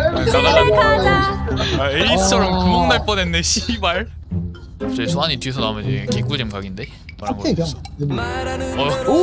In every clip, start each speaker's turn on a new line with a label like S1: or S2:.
S1: 나갈라. 아, 에이스처럼 구멍 날 뻔했네 씨발. 갑자기 수환이 뒤에서 나오면 이제 개꿀잼 각인데? 말한 거
S2: 하필이야.
S1: 없어.
S3: 오!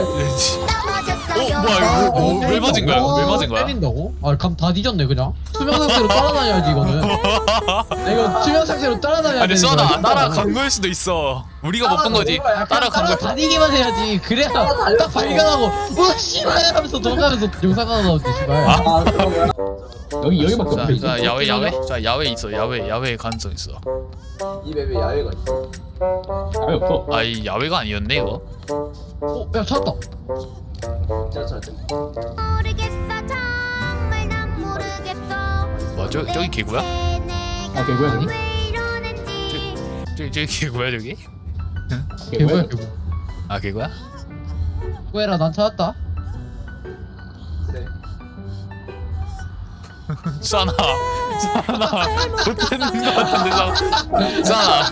S1: 뭐야 이거 왜 맞은 거야? 왜 맞은 거야?
S4: 때린다고? 아, 감 다 뒤졌네 그냥. 투명 상태로 따라다녀야지 이거는. 아, 이거 투명 상태로 따라다녀야
S1: 아니
S4: 되는
S1: 수환아
S4: 거야.
S1: 따라간 거일 수도 있어. 우리가 못 본 거지. 따라간 거야.
S4: 다니기만 해야지. 그래야 딱 발견하고 어 씨발 하면서 도망가면서 영상 하나 나오지 씨발.
S3: 아 그런 거야? 여기밖에
S1: 자,
S3: 없어.
S1: 자 야외. 자 야외 있어. 야외 가능성 있어.
S3: 이 맵에 야외가 있어. 야외 없어.
S1: 아 이 야외가 아니었네 이거.
S4: 어, 야 찾았다.
S3: 자.
S5: 모르겠어 정말 난 모르겠어
S1: 뭐 저기 개구야?
S3: 아 개구야 저기?
S5: 왜 이러는지
S1: 저기 개구야 저기?
S4: 개구야 개구.
S1: 아 개구야?
S4: 꾸에라 난 찾았다.
S3: 그래.
S1: 수환아 못했는 거 같은데 수환아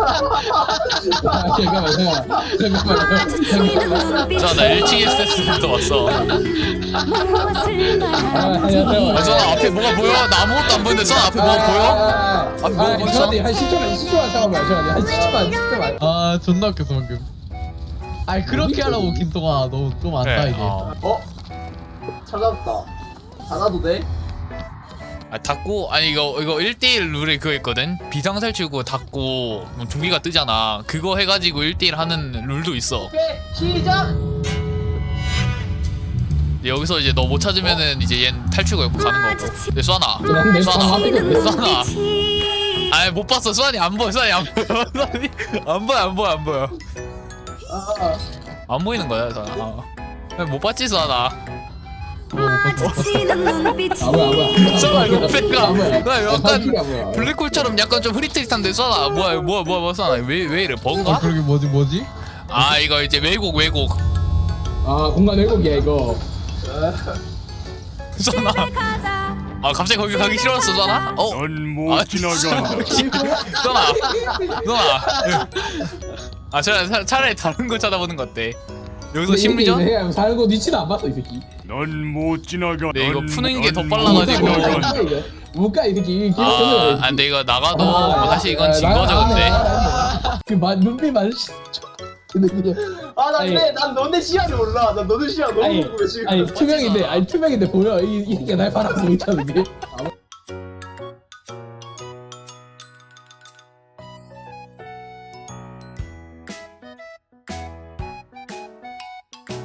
S5: 마주치는 눈빛
S1: 수환아 1층 SS부터 왔어.
S5: 무엇을 말하는지
S1: 아 수환아 앞에 뭐가 보여? 나 아무것도 안 보이는데 수환아 앞에 뭐가 보여? 앞에 뭐가 보여? 수환아?
S3: 한 10초만 잠깐만. 한 10초만.
S4: 아 존나 웃겼어 방금. 아니 그렇게 하라고 김동아 너 좀 안다
S1: 그래,
S4: 이게.
S3: 어? 찾았다. 닫아도 돼?
S1: 아 닫고 아니 이거 1대1 룰에 그거 있거든. 비상살치고 닫고 뭐 종이가 뜨잖아. 그거 해가지고 1대1 하는 룰도 있어.
S3: 오케이 시작.
S1: 근데 여기서 이제 너 못 찾으면은 이제 얜 탈출구 옆으로 가는 거고. 근데 수환아
S3: 그런데
S1: 수환아 수환아
S5: 눈빛이
S1: 아이 못 봤어. 수환이 안 보여. 수환이 안 보여. 수환이 안 보여. 안 보이는 거야 수환아. 못 봤지 수환아.
S5: 마주치는 눈빛이
S1: 수환아 이거 패가 나 약간
S3: 뭐야?
S1: 블랙홀처럼 약간 좀 흐릿흐릿한데 수환아 뭐야 수환아 왜 이래 버그가?
S4: 그러게 뭐지?
S1: 아 이거 이제 왜곡
S3: 아 공간 왜곡이야 이거.
S1: 수환아
S5: 가자
S1: 아 갑자기 거기 가기 싫었어 수환아?
S6: 넌못 지나간다.
S1: 수환아 아 차라리 다른 거 찾아보는 거 어때? 여기서 심리전?
S3: 내가 사는 거 니치도 안 봤어 이 새끼.
S6: 넌못 지나간다.
S1: 네, 이거 푸는 게 더 빨라가지고.
S3: 못가 이 새끼.
S1: 아 근데 이거 나가도 뭐 사실 이건 진 거죠 근데.
S3: 눈빛 마주치. 아나 근데 난 너네 시야를 몰라. 난 너네 시야 너무 궁금해 지금. 아니 투명인데 보여. 이 새끼가 날 바라보고 있다는 게.